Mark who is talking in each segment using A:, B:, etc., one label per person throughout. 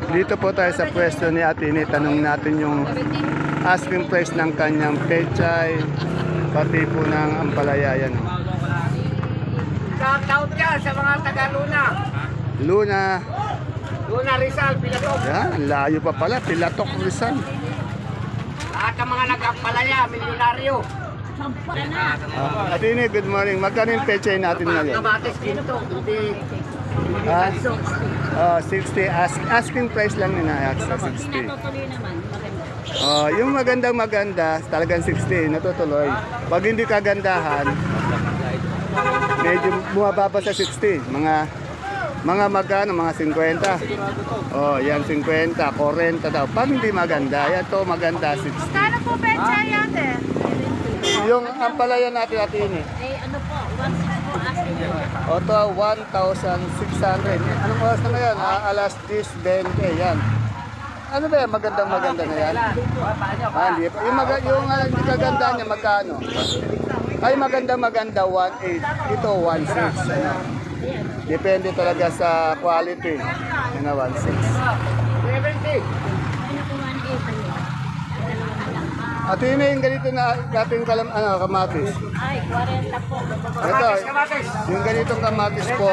A: Dito po tayo sa pwesto ni Ate Ini. Tanong natin yung asking price ng kanyang pechay, pati po ng ampalaya. Yan.
B: Shout yan sa mga taga-Luna.
A: Luna.
B: Luna Rizal, Pilatok.
A: Yan, layo pa pala. Pilatok, Rizal.
B: Lahat ng mga nag-ampalaya, milyonaryo.
A: Ate Ini, good morning. Magkano yung pechay natin ngayon?
B: Kamatis ginto. Hindi.
A: Ah, 60. Asking price lang nila. Sa 60.
C: Natutuloy naman, maganda.
A: Yung magandang maganda, talagang 60, natutuloy. Pag hindi kagandahan, medyo bumababa sa 60. Mga magkano, mga 50. Yan 50, 40 daw. Pag hindi maganda, yan to maganda 60.
C: Kano po pecha yan eh?
A: Yung ampalaya natin ini.
C: Eh ano po, 1.6 po asking po.
A: O to 1,600. Anong oras na ngayon? Alas 10:20 yan. Ano ba yan? Magandang maganda na yan? Hindi pa. Yung hindi kaganda niya, magkano? Ay, magandang maganda, 1.8. Ito, 1.6. Ano? Depende talaga sa quality. Ano, 1.6.
B: 70.
C: Ano po 1.8 ano?
A: At yun na yung ganito na dating kamatis.
C: Ay, 40 po.
A: Ito,
B: Kamatis.
A: yung ganitong kamatis po,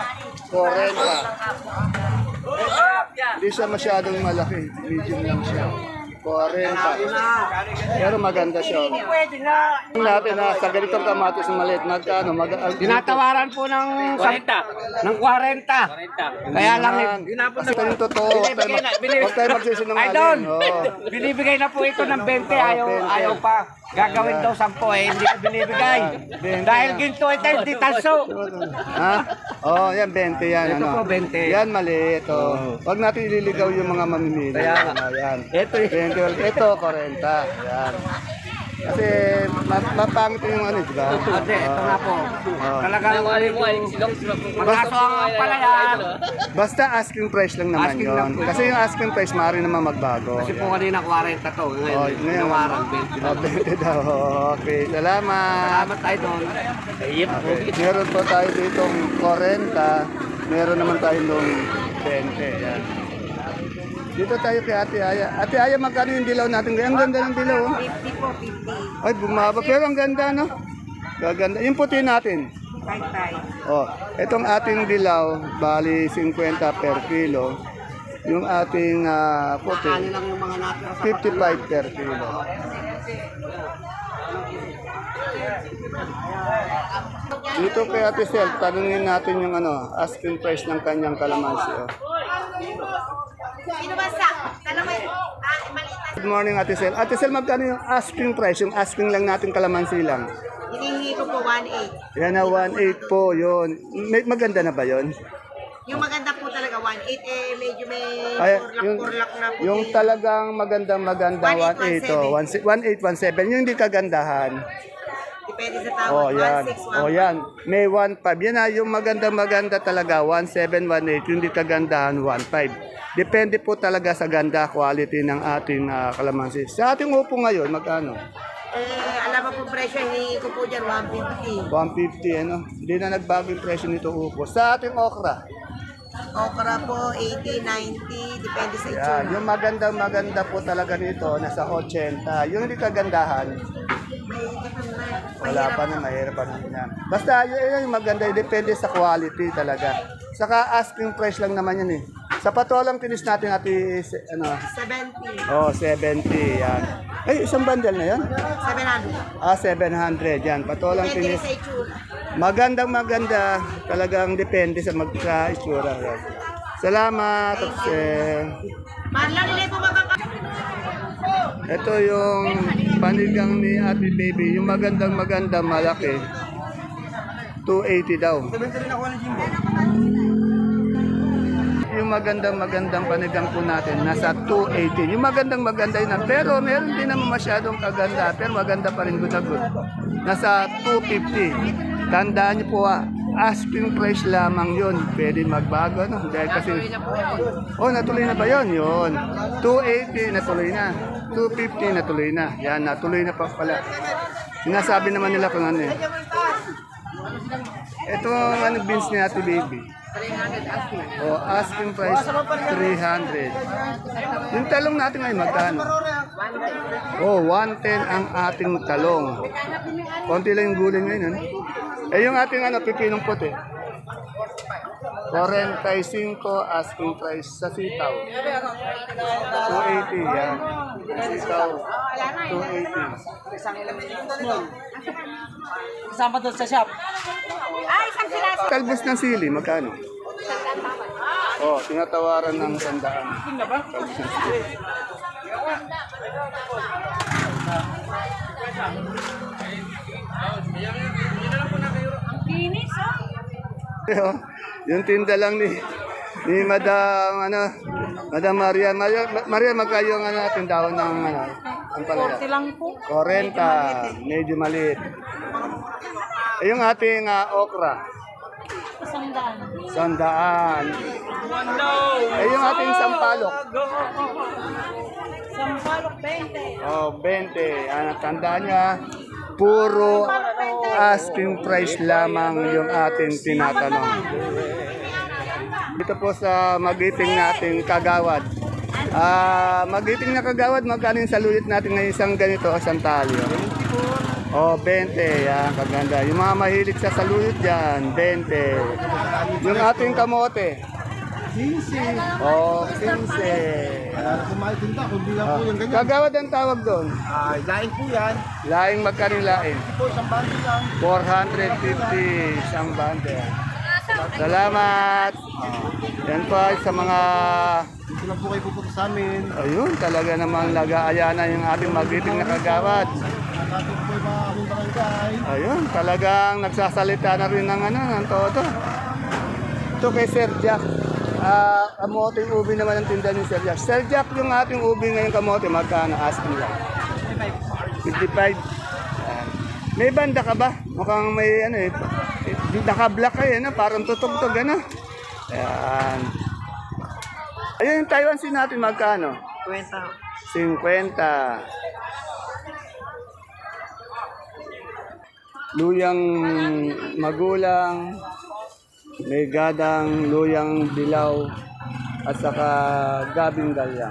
A: 40. Hindi siya masyadong malaki. Medium lang siya. 40. Pero maganda siya.
B: Pwede na.
A: Yung natin na sa ganitong kamatis na maliit, magkano?
B: Tinatawaran po ng 40. Ng 40. Kaya lang,
A: Kasi yung totoo, huwag tayo magsisinungaling.
B: Idol,
A: Oo.
B: binibigay na po ito ng 20. Ayaw pa. Gagawin daw 10 hindi ko binibigay. Dahil ginto ito, hindi tanso.
A: Ha? Yan 20 yan.
B: Ito
A: Ano?
B: po, 20.
A: Yan maliit. Huwag natin ililigaw yung mga mamimili.
B: Kaya nga.
A: Yan.
B: Ito eh.
A: 20. Ito, 40. Yan. Kasi mapangit yung ano, di ba?
B: Ate, ito nga po. Talagang magaso ang palayan.
A: Basta asking price lang naman
B: Asking
A: yon.
B: lang po.
A: Kasi yung asking price, maaari naman magbago.
B: Kasi po kanina 40 to. Ngayon,
A: Ngayon,
B: nawaran 20 na.
A: 20 daw. Okay, salamat.
B: Salamat tayo doon.
A: Okay. Meron po tayo ditong 40. Meron naman tayo nung 20. Yan. Dito tayo kay Ate Aya. Ate Aya, magkano yung dilaw natin? Ang ganda ng dilaw. Oh.
C: 50 po, 50.
A: Ay, bumaba. Pero ang ganda, no? Gaganda. Yung puti natin. Itong ating dilaw, bali 50 per kilo. Yung ating puti,
B: Ano lang yung mga natira
A: 55 per kilo. Dito kay Ate Sel, tanungin natin yung asking price ng kanyang kalamansi. Oh.
C: Sino ba sa? Tanong mo, maliit na.
A: Good morning, Ate Sel. Ate Sel, magkano yung asking price? Yung asking lang natin kalamansi lang.
C: Hinihingi ko po 1.8.
A: Yan na, 1.8 po yun. Maganda na ba yun?
C: Yung maganda po talaga 1.8 medyo may
A: Ay,
C: kurlak na po.
A: yung talagang maganda, 1.8 to 1.8, 1.7. Yung hindi kagandahan.
C: Depende sa tao.
A: Yan.
C: 1.6, 1.5.
A: Yan. May 1.5. Yan na, yung maganda talaga, 1.7, 1.8. Yung hindi kagandahan, 1.5. Depende po talaga sa ganda, quality ng ating kalamansi. Sa ating upo ngayon, magkano?
C: Alam mo po presyo, hinihingi ko po dyan 150.
A: 150, ano? Hindi na nagbago yung presyo nito upo. Sa ating okra,
C: Okra po 80, 90, depende sa
A: yan.
C: itsura.
A: Yung maganda po talaga nito, nasa 80. Yung hindi kagandahan, wala pa na, mahirap pa na yan. Basta yun yung maganda, depende sa quality talaga. Saka asking price lang naman yan eh. Sa patolang tinis natin
C: 70,
A: 70 yan. Ay, isang bundle na yan?
C: 700.
A: 700 yan. Patolang
C: Depende
A: tinis.
C: sa itsura.
A: Maganda. Talagang depende sa itsura. Yan. Salamat.
C: Mahal lang nila po
A: Ito yung panigang ni Ate Baby. Yung maganda, malaki. 280 daw. Yung magandang panigang po natin, nasa 280. Yung maganda yun. Pero meron din naman masyadong kaganda. Pero maganda pa rin, good na good. Nasa 250. Tandaan niyo po asking price lamang yun. Pwede magbago, no? Dahil kasi... natuloy na ba yun? Yun. 280, natuloy na. 250, natuloy na. Yan, natuloy na pa pala. Sinasabi naman nila kung ano eh. Ito ang beans ni Ate Baby. Oh, asking price 300. Yung talong natin ngayon magkano? Oh, 110 ang ating talong. Konti lang yung gulay ngayon. Ano? Eh yung ating pipinong puti. 45 asking price sa sitaw. 280 yan. Sitaw 280.
B: Isama doon sa shop.
C: Isang siraso.
A: Talbos ng sili, magkano? Oh, tinatawaran ng 100. Talbos ng sili.
C: Kinis,
A: Oh, yung tinda lang ni Madam Madam Maria. Maria magkayo ang tindahan ng ang palaya.
C: 40 lang po.
A: 40, medyo maliit. Eh, yung ating okra,
C: Isang daan.
A: 100. Eh, yung ating sampalok,
C: Sampalok, 20.
A: oh, 20. Tandaan niya, puro asking price lamang yung ating tinatanong. Dito po sa magiting nating kagawad. Magiting na kagawad, magkano yung salulit natin ngayon isang ganito, isang talyo? Oh, 20. Yan, kaganda. Yung mga mahilig sa salulit dyan, 20. Yung ating kamote. 15. Oh, 15.
D: Kumaintinda, kundi lang po yung ganyan.
A: Kagawad ang tawag doon.
D: Laing po yan.
A: Laing magkano yung laing?
D: Po, isang bundle lang.
A: 450 isang bundle. Salamat. Yan pa sa mga
D: Dito lang po kayo pupunta sa amin.
A: ayun, talaga namang nag-aayana yung ating magiting na kagawad.
D: Nakatid po yung mga aming barangay.
A: Ayun, talagang nagsasalita na rin ng todo. Ito kay Sir Jack. Kamote ubi naman ang tinda ni Sir Jack. Sir Jack, yung ating ubi ngayon kamote, magkano? Asking lang. 55. Ayan. May banda ka ba? Mukhang may naka-black kayo, parang tutugtog, Ayan. Ayun, yung Taiwan sin natin, magkano? 50. Luyang magulang, may gadang, luyang dilaw, at saka gabing galyang.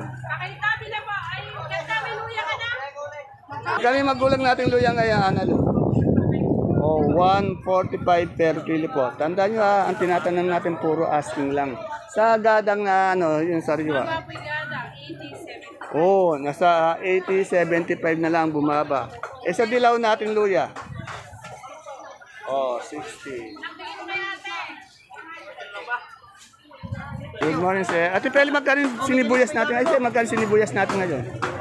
A: Kami magulang natin luyang ngayon, Oh, 145 per kilo po. Tandaan nyo ang tinatanong natin puro asking lang. Sa gadang na yung sariwa. Oh, nasa 80, 75 na lang bumaba. Eh sa dilaw natin luya. Oh, 60. Good morning, sir. Ate Peli, magkano yung sinibuyas natin? Ay, sir, magkano sinibuyas natin ngayon?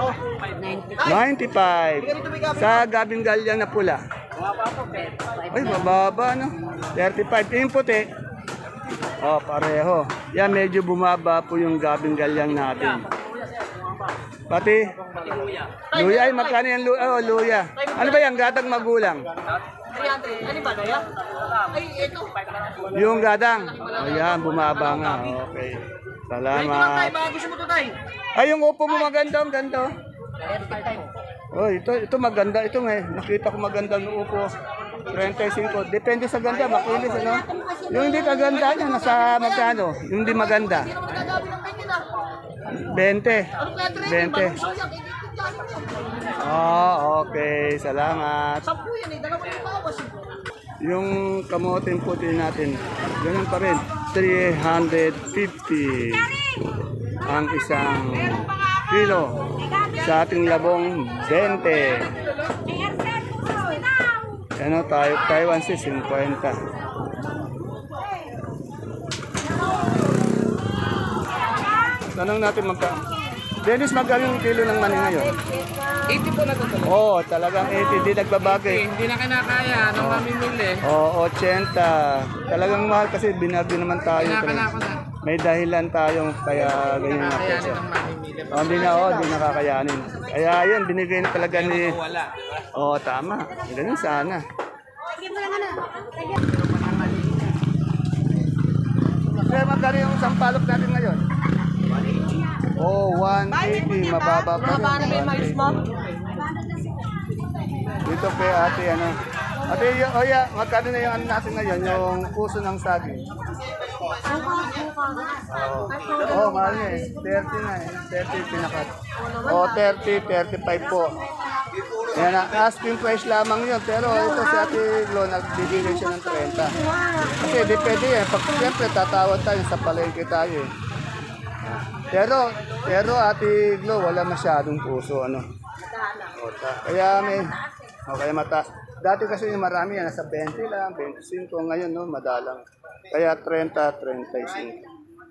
A: 95. Sa gabing galyang na pula. Ay, mababa, 35. Yung puti. Oh, pareho. Yan, medyo bumaba po yung gabing galyang natin. Pati? Luya. Ay, magkano yung luya? Oh, luya. Ano ba yan? Gadang magulang?
C: 300. Ano ba, Noya? Ay, ito.
A: Yung gadang. Ayan, bumaba nga. Okay. Salamat.
C: Baka gusto mo ito, Tay.
A: Ay, yung upo mo maganda. Ang ganda. Oh, ito maganda. Ito nakita ko maganda ng upo. 35. Depende sa ganda. Makinis, Yung hindi kaganda niya, nasa magkano? Yung hindi maganda. 20. 20. Okay. Salamat. Yung kamoting puti natin, ganun pa rin. 350 ang isang kilo. Sa ating labong, 20. Taiwan si 50. Tanong natin Dennis, magkano yung kilo ng mani ngayon?
B: 80 po na ito.
A: Oo, talagang 80. Di nagbabago eh.
B: Hindi na kinakaya nung mamimili.
A: Oo, 80. Talagang mahal kasi binardi naman tayo.
B: Kinakala ko na.
A: May dahilan tayong kaya ganyan na
B: Kakayanin
A: presyo.
B: ng mamimili.
A: Hindi na kakayanin. Kaya yun, binigay na talaga ni...
B: Wala.
A: Oo, tama. Ganun sana. Kaya magkano yung sampalok natin ngayon? Oh, 180. Mababa pa rin.
C: Mababa na ba yung mais mo?
A: Dito kay ate, Ate, magkano na yung natin ngayon? Yung puso ng saging. Oh, mahal niya eh. 30 na eh. 30 pinakat. Oh, 30, 35 po. Yan ang asking price lamang yun. Pero ito si Ate Glo, nagbibigay siya ng 30. Kasi depende eh. Pag siyempre tatawad tayo sa palengke tayo eh. Pero Ate Glo, wala masyadong puso. Ano? Kaya may, kaya mataas. Dati kasi yung marami yan, nasa 20 lang, 25. Ngayon, no, madalang. Kaya 30, 35.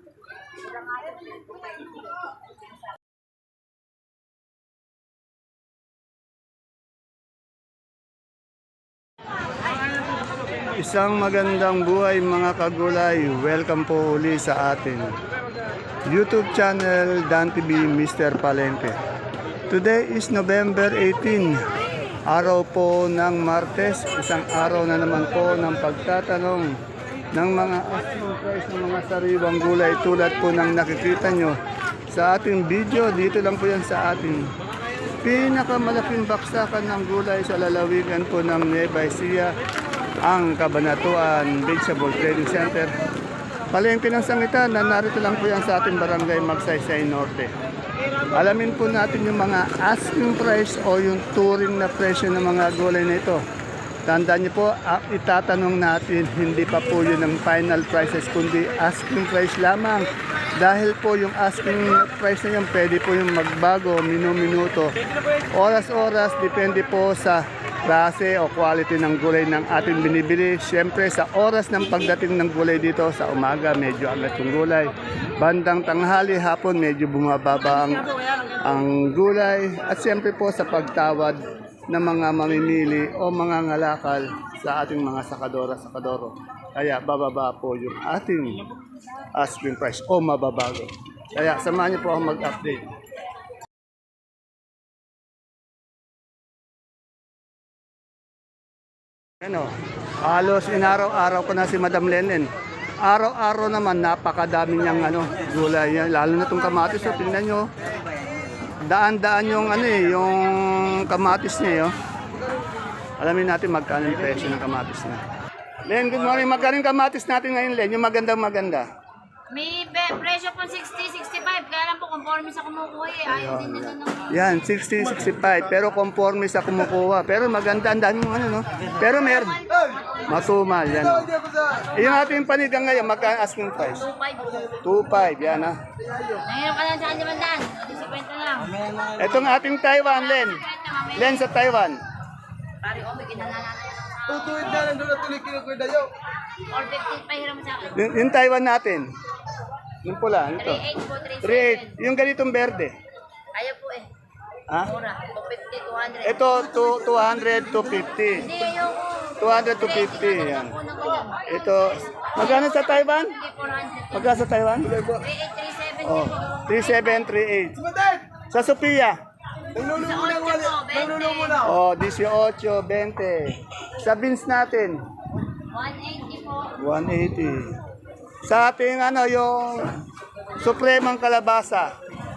A: Isang magandang buhay mga kagulay. Welcome po uli sa atin YouTube channel Dan TV Mr. Palengke. Today is November 18, araw po ng Martes. Isang araw na naman po ng pagtatanong ng mga asking price ng mga sariwang gulay tulad po ng nakikita nyo sa ating video. Dito lang po yan sa ating pinakamalaking baksakan ng gulay sa lalawigan po ng Nueva Ecija, ang Cabanatuan Vegetable Trading Center. Palengke ng Sangitan na narito lang po yan sa ating barangay Magsaysay Norte. Alamin po natin yung mga asking price o yung touring na presyo ng mga gulay na ito. Tandaan niyo po, itatanong natin, hindi pa po yun ang final prices, kundi asking price lamang. Dahil po yung asking price na yun, pwede po yung magbago, minuto, oras-oras, depende po sa klase o quality ng gulay ng ating binibili. Siyempre sa oras ng pagdating ng gulay dito, sa umaga medyo agad yung gulay. Bandang tanghali, hapon medyo bumababa ang gulay. At siyempre po sa pagtawad ng mga mamimili o mga ngalakal sa ating mga sakadora-sakadoro. Kaya bababa po yung ating asking price o mababago. Kaya samahan niyo po ako mag-update. Ano, halos inaraw-araw ko na si Madam Lenen. Araw-araw naman napakadami niyang gulay yan. Lalo na itong kamatis. So, tingnan nyo. Daan-daan yung yung kamatis niya. Yo. Alamin natin magkano yung presyo ng kamatis na. Len, good morning. Magkano yung kamatis natin ngayon, Len? Yung maganda.
C: May presyo po 60, 65. Kaya lang po, conforme sa kumukuha eh. Ayaw din nila ng...
A: Yan, 60, 65. Pero conforme sa kumukuha. Pero maganda, ang dami mong no? Pero meron. Matumal, yan. Yung ating panigang ngayon, magkano asking price?
C: 2.5.
A: 2.5, yan ha.
C: Nangyayang ka lang sa kanya bandaan. 50 lang.
A: Itong ating Taiwan, Len. Len sa Taiwan.
C: Pari, may kinalanan.
D: Tutuwid na lang doon at tuloy kinukwida yun.
C: 450 pa hiram sa akin.
A: Yung Taiwan natin. Yung pula, ito.
C: 3.8 po,
A: 3.8. Yung ganitong berde.
C: Ayaw po eh.
A: Ha?
C: Mura. 250, 200.
A: Ito, 200 to 50.
C: Hindi yung...
A: 200 to 50. Yan. Ito, magkano sa Taiwan?
C: Hindi, 400.
A: Magkano sa Taiwan?
C: 38, 37.
A: Oh, 3738. Sa Sophia? Oh, 18, 20. Sa beans natin?
C: 180 po.
A: 180. Sa ating yung supremang kalabasa.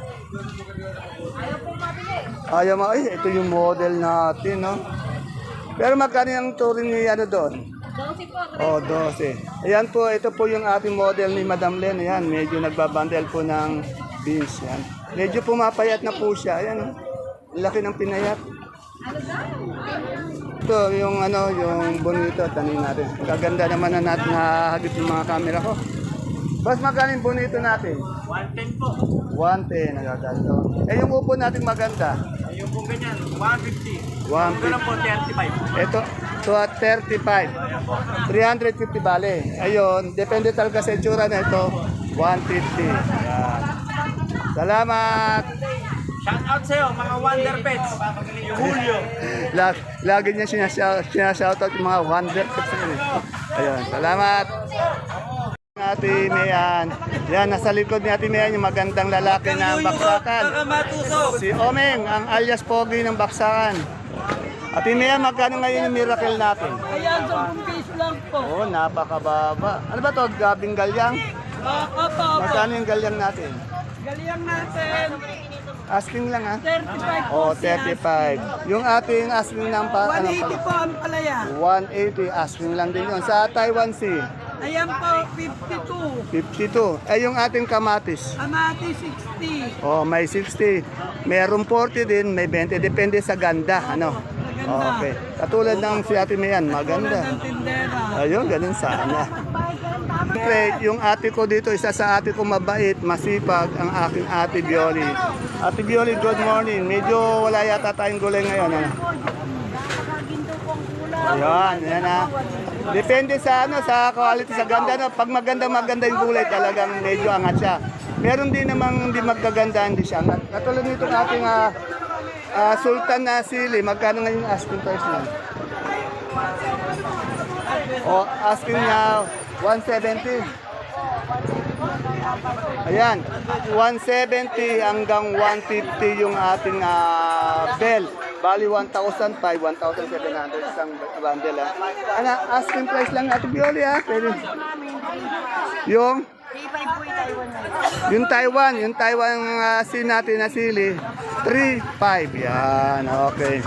A: Ayaw mo, ito yung model natin, no? Pero magkano yung touring ni doon?
C: 12 po.
A: Oh, 12. Ayan po, ito po yung ating model ni Madam Len. Ayan, medyo nagbabandel po ng beans. Yan. Medyo pumapayat na po siya. Ayan, oh. Laki ng pinayat. Ito, yung yung bonito, tanin natin. Gaganda naman na natin nahagip yung mga camera ko. Boss, magkano yung bonito natin?
B: 110 po.
A: 110, nagaganda. Eh, yung upo natin maganda?
B: Yung po ganyan, 150.
A: 150.
B: po, 35.
A: Ito, to at 35. 350 bale. Ayun, depende talaga sa itsura na ito. 150. Yan. Salamat!
B: Shout out sa'yo, mga Wonder Pets. Yung Julio.
A: Lagi niya sinashoutout yung mga wonder pets na yun. Ayun, salamat. Ate Mayan. Yan, nasa likod ni Ate Mayan yung magandang lalaki ng baksakan. Si Omeng, ang alias Pogi ng baksakan. Ate Mayan, magkano ngayon yung miracle natin?
E: Ayan, 10 piso lang po.
A: Oh, napakababa. Ano ba to? Gabing galyang?
E: Opo.
A: Magkano yung galyang natin?
E: Galing natin.
A: Asking lang ha?
E: 35 po.
A: Oh, 35. Yung ating asking ng
E: 180 po ang palaya.
A: 180 asking lang din yun. Sa Taiwan Sea,
E: Ayan po, 52.
A: 52. Ay, yung ating kamatis.
E: Amati, 60.
A: Oh, may 60. Meron 40 din, may 20. Depende sa ganda, ano?
E: Maganda.
A: Okay. Katulad ng si Ate Mayan, maganda.
E: Tulad ng tindera.
A: Ayun, ganun sana. Siyempre, yung ate ko dito, isa sa ate ko mabait, masipag, ang aking ate Bioli. Ate Bioli, good morning. Medyo wala yata tayong gulay ngayon. Ano? Ayan, yan ha. Depende sa ano, sa quality, sa ganda. No? Pag maganda yung gulay, talagang medyo angat siya. Meron din namang hindi magkaganda, hindi siya angat. Katulad nito ating sultan na sili, magkano ngayon asking price niya? O, asking na 170. Ayan, 170 hanggang 150 yung ating bell. Bali 1,005, 1,700 isang bundle ha. Ano, asking price lang natin Bioli ha. Pwede. Yung yung Taiwan sin natin na sili 3.5 yan, okay.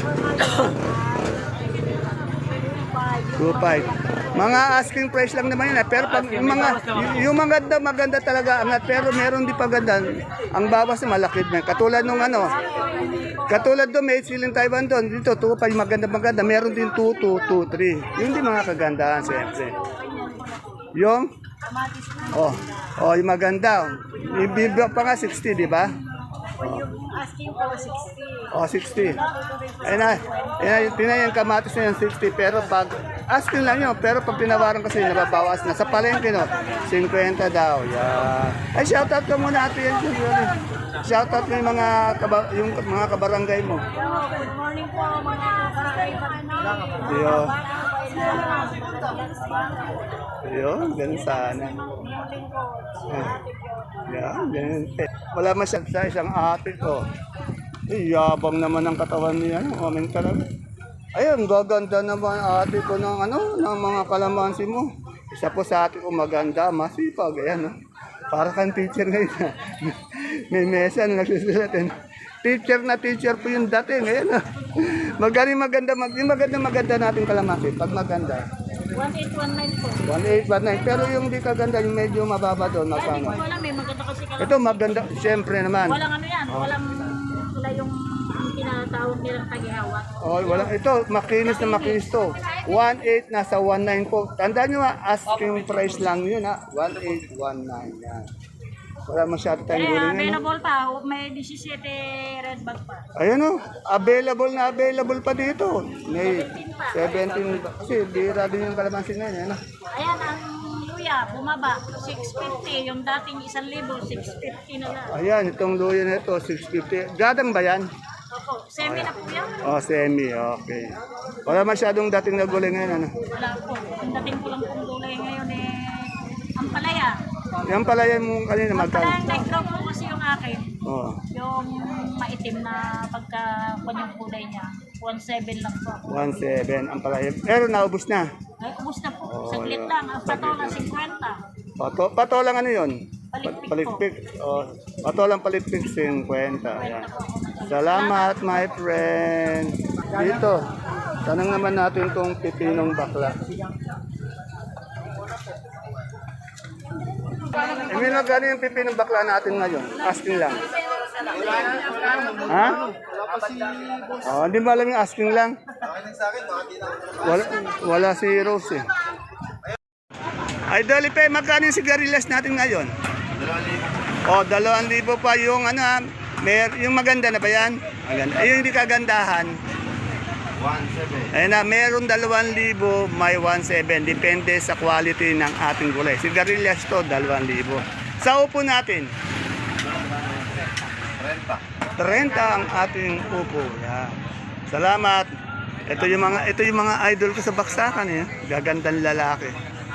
A: 2.5. Mga asking price lang naman yun. Pero pag yung maganda talaga angat. Pero meron di paganda. Ang bawas na malaki na. Katulad nung ano. Katulad doon may siling Taiwan doon. Dito 2.5 maganda. Meron din 2, 2, 2, 3. Yun din mga kagandahan siyempre. Yung yung maganda. Ibibigay pa nga 60, di ba?
C: Asking po 60.
A: 60. Ayun na, yung kamatis na yung 60. Pero pag, asking lang yun. Pero pag tinawaran kasi, nababawas na. Sa palengke, no, 50 daw. Yan. Ay, shoutout ka muna, ate yan. Shoutout mo yung mga kabarangay mo.
C: Good morning po mga kakaiba.
A: Yun, ganun sana. Yan, ganun. Wala masyad sa isang ate ko. Yabang naman ang katawan niya. Amin talaga. Ayun, gaganda naman ate ko ng mga kalamansi mo. Isa po sa ate ko maganda, masipag. Ayan, no? Para kang teacher ngayon. May mesa na nagsusulat. Teacher po yung dati. Ngayon, no? Maganda natin kalamansi. Pag maganda.
C: 1819 po.
A: 1819. Pero yung di kaganda, yung medyo mababa doon, magkano?
C: Wala, may maganda kasi ka.
A: Ito maganda, siyempre naman.
C: Walang ano yan, walang wala yung tinatawag nilang tagihawak.
A: Oh, wala. Ito, makinis na makinis to. 1.8 nasa 1.9 po. Tandaan nyo asking price lang yun ha. 1.8, 1.9 yan. Wala masyado tayong gulay ngayon.
C: Available pa, may 17 red bag pa.
A: Ayan o, available pa dito. May 17, kasi bira din yung kalamansin ngayon.
C: Ayan, ang luya, bumaba, 650. Yung dating 1,000, 650 na lang.
A: Ayan, itong luya na ito, 650. Gadang ba yan?
C: Opo, semi na po yan.
A: Oh, semi, okay. Wala masyadong dating na gulay ngayon.
C: Wala po. Ang dating ko lang pong gulay ngayon ang palaya.
A: Yan pala yan mo kanina
C: Ang
A: magkano.
C: palayang nag-drop po kasi yung akin.
A: Oh,
C: Yung maitim na pagka-kunyang kulay niya. 1,700 lang po.
A: 1.7 ang palaya. Pero naubos na.
C: Ay, ubus na po. Saglit lang. Ang patola, 50.
A: Patolang ano yun?
C: Palikpik
A: Oh, patolang palikpik 50. Ayan. Salamat my friend. Dito, tanong naman natin itong pipinong bakla. May magkano yung pipinong bakla natin ngayon? Asking lang. Ha? Oh, hindi ba alam yung asking lang? Wala si Rose eh. Ay, Dolipe, magkano yung sigarilyas natin ngayon? 2,000. 2,000 pa yung yung maganda na ba yan? Maganda. Ay, yung hindi kagandahan. 1,700. Ayun na, meron 2,000, may 1,700. Depende sa quality ng ating gulay. Sigarilyas to, 2,000. Sa upo natin? 30 ang ating upo. Yan. Salamat. Ito yung mga idol ko sa baksakan eh. Gagandang lalaki.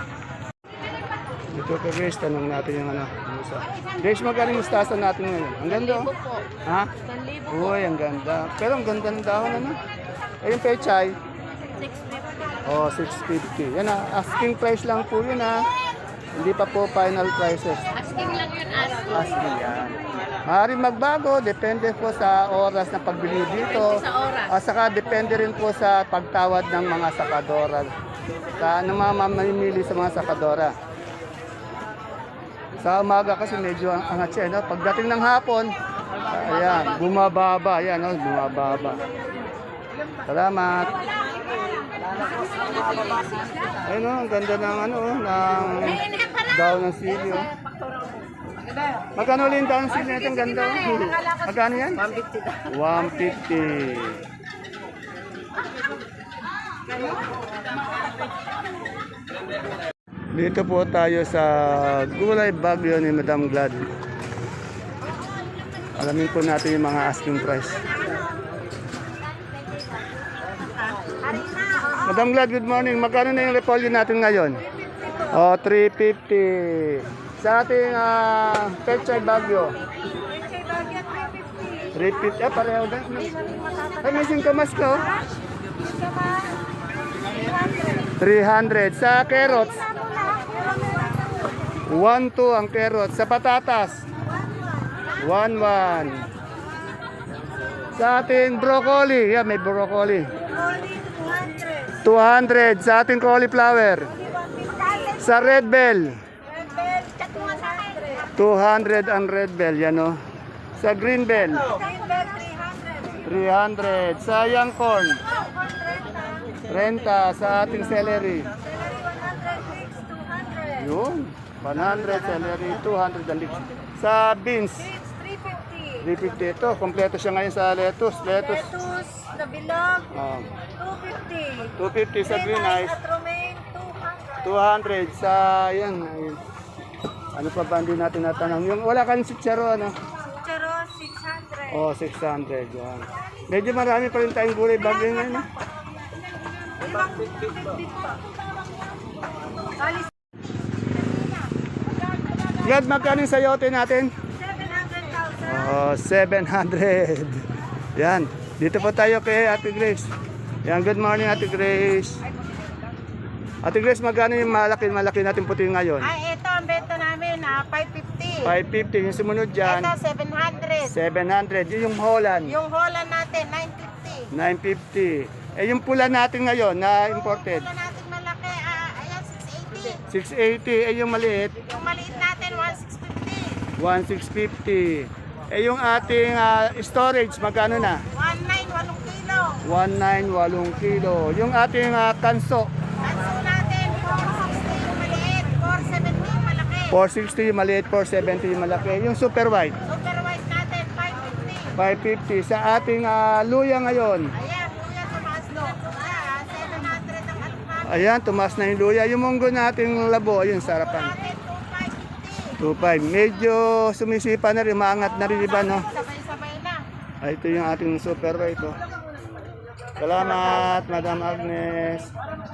A: Ito kay Grace, tanong natin yung musa. Grace, magkano yung mustasa natin ngayon? Ang ganda oh. Ha?
C: 1,000
A: Uy, ang ganda. Pero ang ganda ng dahon Ayun pechay.
C: 650.
A: Oh, 650. Yan asking price lang po yun Hindi pa po final prices.
C: Asking lang yun, asking.
A: Asking yan. Maaaring magbago, depende po sa oras na pagbili dito.
C: Sa oras.
A: At saka depende rin po sa pagtawad ng mga sakadora Sa ng mga mamimili sa mga sakadora. Sa umaga kasi medyo angat siya, no? Pagdating ng hapon, ayan, bumababa, ayan, no? Bumababa. Salamat. Ayun, no? Ang ganda ng ano, ng daw ng sili, oh. Magkano ulit yung daw ng sili natin? Ganda, oh. Magkano yan? 150. 150. Dito po tayo sa Gulay Bagyo ni Madam Glad. Alamin po natin yung mga asking price. Madam Glad, good morning. Magkano na yung repolyo natin ngayon? Oh, 350. Sa ating Pechay Bagyo. 350. Pareho din. Ay, may singkamas ka, oh. 300. Sa carrots. 1-2 ang carrots. Sa patatas, 1-1. Sa ating broccoli, may broccoli. 200. Sa ating cauliflower. Sa red bell, 200 ang red bell, yan o. Sa green bell, 300. Sa young corn, 30. Sa ating celery, yun, 100 celery, 200 ang lips. Sa beans, 350. Ito, kompleto siya ngayon sa lettuce.
C: Lettuce, na bilog, 250.
A: 250 sa green ice,
C: At romaine,
A: 200
C: 200.
A: sa yan. Ayun. Ano pa ba hindi natin natanong? Yung wala kang sitsaro, ano?
C: Charo, 600.
A: Oh, 600 yan. Medyo marami pa rin tayong gulay bagay ngayon. Eh. Glad, magkano yung sayote natin?
C: 700,000.
A: Oh, 700. Yan. Dito po tayo kay Ate Grace. Yan, good morning Ate Grace. Ate Grace, magkano yung malaki natin puti ngayon?
C: Ay, ito ang benta namin, 550.
A: 550. Yung sumunod dyan,
C: Ito, 700.
A: 700. Yung Holland,
C: Yung Holland natin, 950.
A: 950. Eh, yung pula natin ngayon na imported,
C: Wala natin malaki, ayan, 680.
A: 680. Eh, yung maliit,
C: Yung maliit natin,
A: 1650.
C: 1650.
A: Eh, yung ating storage, magkano na?
C: 19, 8 kilo.
A: 19, 8 kilo. Yung ating kanso,
C: Kanso natin, 460 yung maliit, 470 yung malaki.
A: 460 yung maliit, 470 yung malaki. Yung super white,
C: Super white natin, 550.
A: 550. Sa ating luya ngayon,
C: Ayan, kuya, tumaas no. 700 ang alok natin.
A: ayan, tumaas na yung luya. Yung munggo nating labo, ayun, sarapan.
C: Natin, 2,550.
A: 2.5. Medyo sumisipa na rin, maangat na rin iba, no?
C: Sabay-sabay na.
A: Ito yung ating super white, oh. Salamat, Madam Agnes.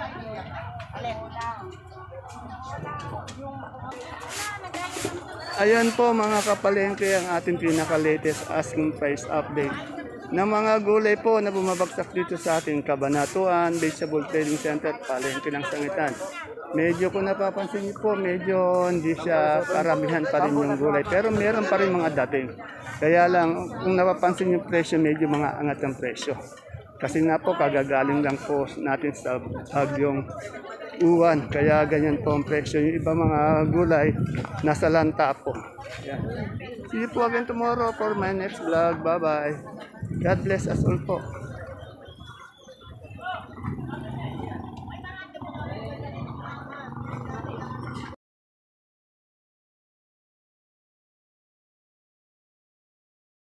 A: Ayan po mga kapalengke ang ating pinaka-latest asking price update ng mga gulay po na bumabagsak dito sa ating Kabanatuan Vegetable Trading Center, palengke ng Sangitan. Medyo kung napapansin niyo po, medyo hindi siya karamihan pa rin yung gulay. Pero meron pa rin mga dating. Kaya lang, kung napapansin yung presyo, medyo mga angat ang presyo. Kasi nga po, kagagaling lang po natin sa bagyong uwan. Kaya ganyan po ang presyo. Yung iba mga gulay, nasa lanta po. Yan. See you po again tomorrow for my next vlog. Bye-bye. God bless us all po.